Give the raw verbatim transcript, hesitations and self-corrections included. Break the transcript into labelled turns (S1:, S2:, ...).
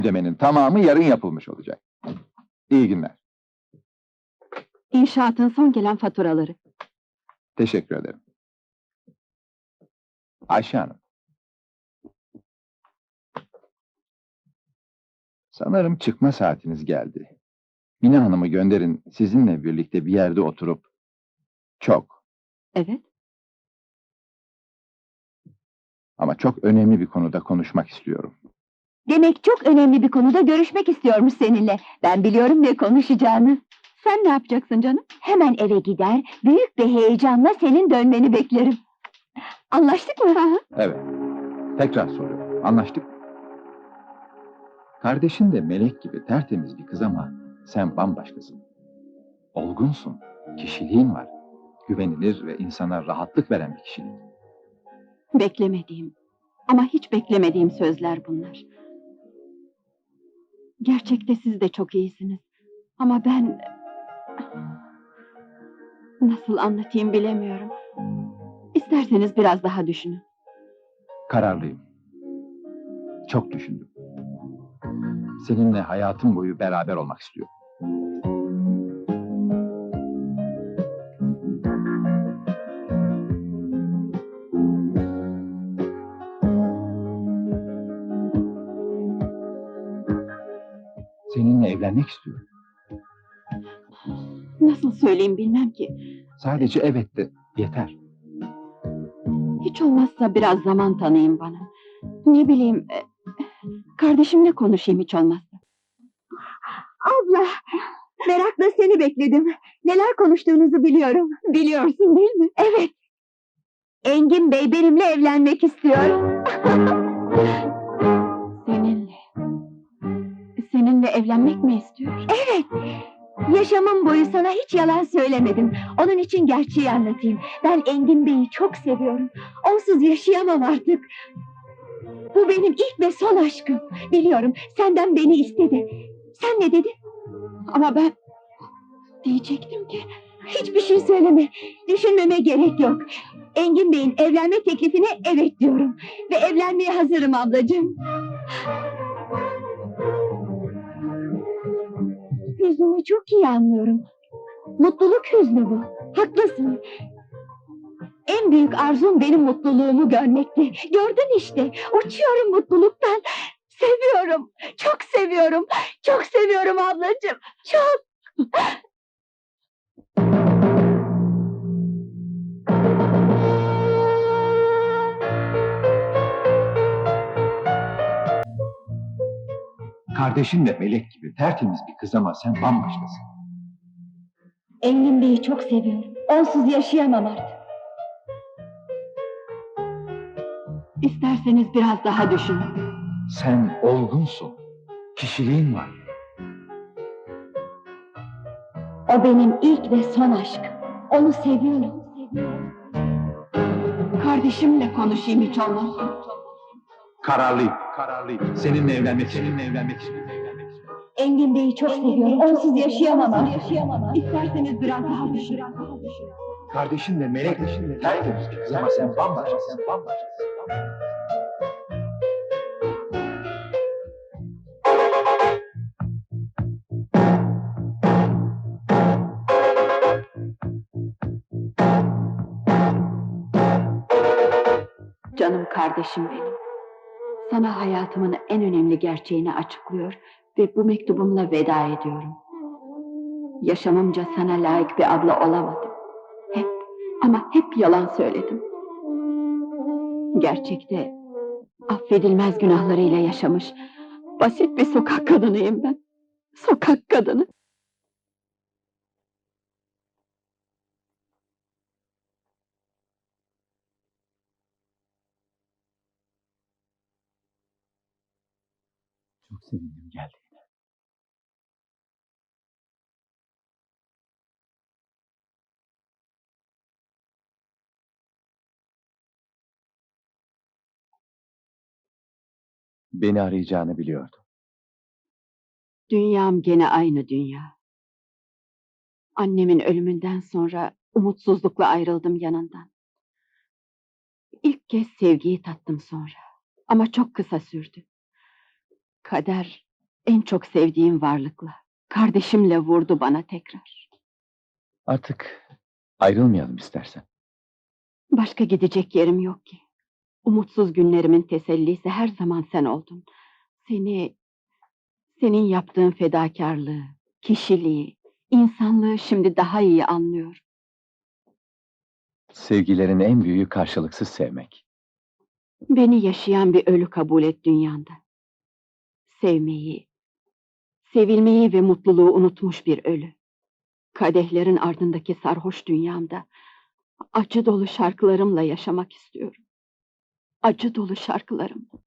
S1: Ödemenin tamamı yarın yapılmış olacak. İyi günler.
S2: İnşaatın son gelen faturaları.
S1: Teşekkür ederim. Ayşe Hanım. Sanırım çıkma saatiniz geldi. Mine Hanım'ı gönderin, sizinle birlikte bir yerde oturup... Çok
S2: Evet.
S1: ama çok önemli bir konuda konuşmak istiyorum.
S2: Demek çok önemli bir konuda görüşmek istiyormuş seninle. Ben biliyorum ne konuşacağını. Sen ne yapacaksın canım? Hemen eve gider, büyük bir heyecanla senin dönmeni beklerim. Anlaştık mı?
S1: Evet, tekrar soruyorum. Anlaştık mı? Kardeşin de melek gibi tertemiz bir kız ama sen bambaşkasın. Olgunsun, kişiliğin var. Güvenilir ve insana rahatlık veren bir kişilik.
S2: Beklemediğim, ama hiç beklemediğim sözler bunlar. Gerçekte siz de çok iyisiniz. Ama ben... Nasıl anlatayım bilemiyorum. İsterseniz biraz daha düşünün.
S1: Kararlıyım. Çok düşündüm. Seninle hayatım boyu beraber olmak istiyorum. Seninle evlenmek istiyorum.
S2: Nasıl söyleyeyim bilmem ki.
S1: Sadece evet de yeter.
S2: Hiç olmazsa biraz zaman tanıyın bana. Ne bileyim... e, Kardeşimle konuşayım hiç olmazsa. Abla! Merakla seni bekledim. Neler konuştuğunuzu biliyorum. Biliyorsun değil mi? Evet. Engin Bey benimle evlenmek istiyor. Seninle. Seninle evlenmek mi istiyor? Evet. Yaşamım boyu sana hiç yalan söylemedim. Onun için gerçeği anlatayım. Ben Engin Bey'i çok seviyorum. Onsuz yaşayamam artık. Bu benim ilk ve son aşkım. Biliyorum, senden beni istedi. Sen ne dedin? Ama ben... Diyecektim ki... Hiçbir şey söyleme. Düşünmeme gerek yok. Engin Bey'in evlenme teklifine evet diyorum. Ve evlenmeye hazırım ablacığım. Hüznünü çok iyi anlıyorum. Mutluluk hüznü bu. Haklısın. En büyük arzum benim mutluluğumu görmekti. Gördün işte. Uçuyorum mutluluktan. Seviyorum. Çok seviyorum. Çok seviyorum ablacığım. Çok.
S1: Kardeşin de melek gibi tertemiz bir kız ama sen bambaşkasın.
S2: Engin Bey'i çok seviyorum. Onsuz yaşayamam artık. İsterseniz biraz daha düşünün.
S1: Sen olgunsun. Kişiliğin var.
S2: O benim ilk ve son aşkım. Onu seviyorum. seviyorum. Kardeşimle konuşayım hiç olmazsa.
S1: Kararlıyım. Kararlıyım. Seninle evlenmek, seninle evlenmek istiyorum.
S2: Engin Bey'i çok seviyorum. Onsuz yaşayamam artık. İsterseniz biraz daha düşünün.
S1: Kardeşin de melek, tertemiz bir kız ama sen bambaşkasın. Sen bambaşkasın.
S2: Canım kardeşim benim. Sana hayatımın en önemli gerçeğini açıklıyor ve bu mektubumla veda ediyorum. Yaşamımca sana layık bir abla olamadım. Hep ama hep yalan söyledim. Gerçekte affedilmez günahlarıyla yaşamış basit bir sokak kadınıyım ben. Sokak kadını.
S1: Çok sevindim geldiğine. Beni arayacağını biliyordum.
S2: Dünyam gene aynı dünya. Annemin ölümünden sonra umutsuzlukla ayrıldım yanından. İlk kez sevgiyi tattım sonra. Ama çok kısa sürdü. Kader En çok sevdiğim varlıkla, kardeşimle vurdu bana tekrar.
S1: Artık ayrılmayalım istersen.
S2: Başka gidecek yerim yok ki. Umutsuz günlerimin tesellisi her zaman sen oldun. Seni, senin yaptığın fedakarlığı, kişiliği, insanlığı şimdi daha iyi anlıyorum.
S1: Sevgilerin en büyüğü karşılıksız sevmek.
S2: Beni yaşayan bir ölü kabul et dünyanda. Sevmeyi, sevilmeyi ve mutluluğu unutmuş bir ölü. Kadehlerin ardındaki sarhoş dünyamda acı dolu şarkılarımla yaşamak istiyorum. Acı dolu şarkılarım.